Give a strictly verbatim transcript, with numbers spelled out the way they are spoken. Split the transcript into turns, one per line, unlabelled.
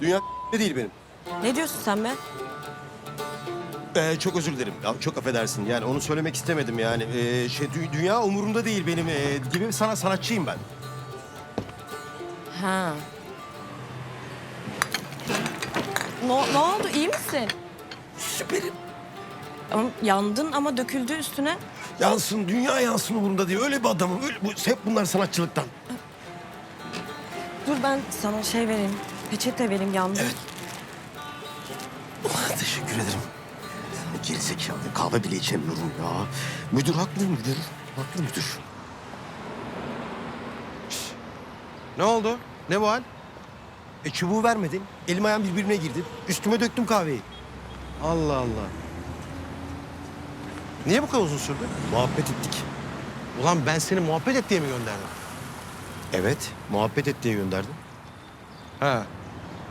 Dünya değil benim.
Ne diyorsun sen be?
Ee, çok özür dilerim. Ya, çok affedersin. Yani onu söylemek istemedim yani. Ee, şey dü- dünya umurumda değil benim. Ee, gibi sana sanatçıyım ben.
Ha. Ne, ne oldu? İyi misin?
Süperim.
Ama yandın ama döküldü üstüne.
Yansın, dünya yansın umurumda değil. Öyle bir adamım. Öyle, bu, hep bunlar sanatçılıktan.
Dur ben sana şey vereyim. Peçete vereyim yandın.
Evet. Oh, teşekkür ederim. Gerizekalı. Kahve bile içemiyorum ya. Müdür haklı müdür. Haklı müdür.
Ne oldu? Ne bu hal?
E çubuğu vermedin. Elim ayağım birbirine girdi. Üstüme döktüm kahveyi.
Allah Allah. Niye bu kadar uzun sürdü?
Muhabbet ettik.
Ulan ben seni muhabbet et diye mi gönderdim?
Evet, muhabbet et diye gönderdim.
Ha.